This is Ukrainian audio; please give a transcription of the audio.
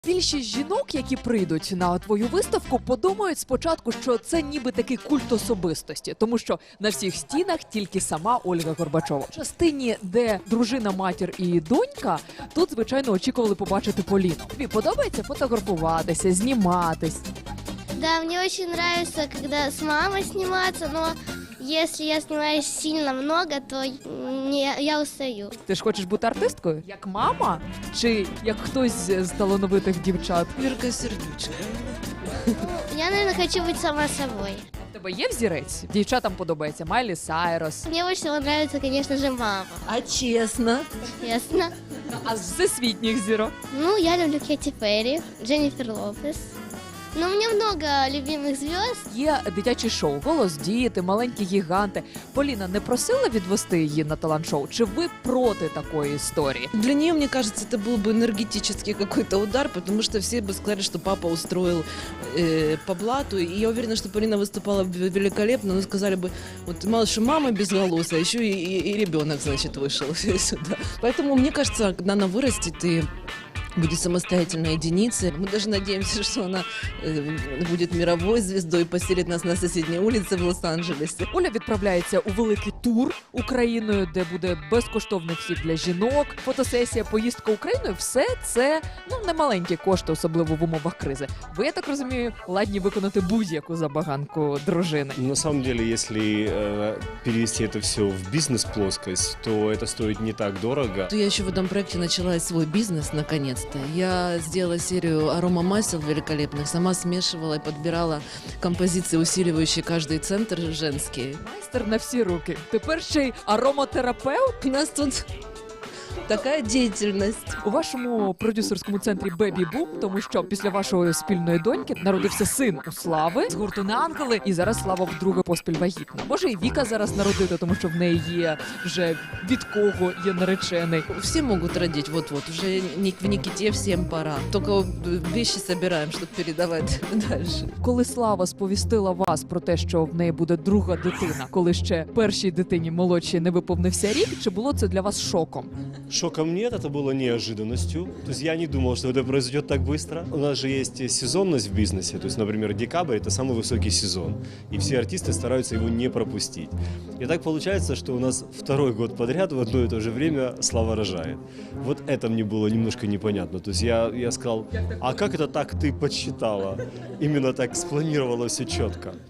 Більшість жінок, які прийдуть на твою виставку, подумають спочатку, що це ніби такий культ особистості, тому що на всіх стінах тільки сама Ольга Горбачова. В частині, де дружина, матір і донька, тут, звичайно, очікували побачити Поліну. Тобі подобається фотографуватися, зніматись? Да, мне очень нравится, когда с мамой сниматься, но если я снимаюсь сильно много, то я устаю. Ти ж хочеш бути артисткою? Як мама? Чи як хтось з талановитих дівчат? Вірка Сердючка. Я, наверное, хочу быть сама собой. У тебе є взірець? Дівчатам подобається Майлі Сайрос. Мне больше всего нравится, конечно же, мама. А чесно? Ясно. А з всесвітніх зірок? Ну, я люблю Кэти Перри, Дженнифер Лопес. Но у меня много любимых звезд. Є дитячі шоу «Голос діти», «Маленькі гіганти». Поліна не просила відвести її на талант-шоу? Чи ви проти такої історії? Для нее, мне кажется, это был бы энергетический какой-то удар, потому что все бы сказали, что папа устроил по блату. И я уверена, что Полина выступала великолепно, но сказали бы, вот мало что мама безголосая, еще и ребенок, значит, вышел сюда. Поэтому, мне кажется, когда она вырастет и будет самостоятельной единицей. Мы даже надеемся, что она будет мировой звездой и поселит нас на соседней улице в Лос-Анджелесе. Оля відправляється у великий тур Україною, де буде безкоштовний вхід для жінок, фотосесія, поїздка Україною. Все це немаленькі кошти, особливо в умовах кризи. Ви, я так розумію, ладні виконати будь-яку забаганку дружини. На самом деле, если перевести это все в бизнес-плоскость, то это стоит не так дорого. Я еще в этом проекте начала свой бизнес, наконец-то. Я сделала серию аромамасел великолепных, сама смешивала и подбирала композиции, усиливающие каждый центр женские. Майстер на всі руки. Тепер ще й ароматерапевт. У нас тут такая деятельность. У вашому продюсерському центрі Бебі Бум, тому що після вашої спільної доньки народився син у Слави з гурту «Не ангели», і зараз Слава вдруге поспіль вагітна. Може і Віка зараз народити, тому що в неї є вже від кого є наречений. Все могут родить, вот-вот, уже в Никите всем пора. Только вещи собираем, чтобы передавать дальше. Коли Слава сповістила вас про те, що в неї буде друга дитина, коли ще першій дитині молодшій не виповнився рік, чи було це для вас шоком? Шоком нет, это было неожиданностью. То есть я не думал, что это произойдет так быстро. У нас же есть сезонность в бизнесе. То есть, например, декабрь – это самый высокий сезон. И все артисты стараются его не пропустить. И так получается, что у нас второй год подряд в одно и то же время Слава рожает. Вот это мне было немножко непонятно. То есть я сказал, а как это так ты подсчитала? Именно так спланировала все четко.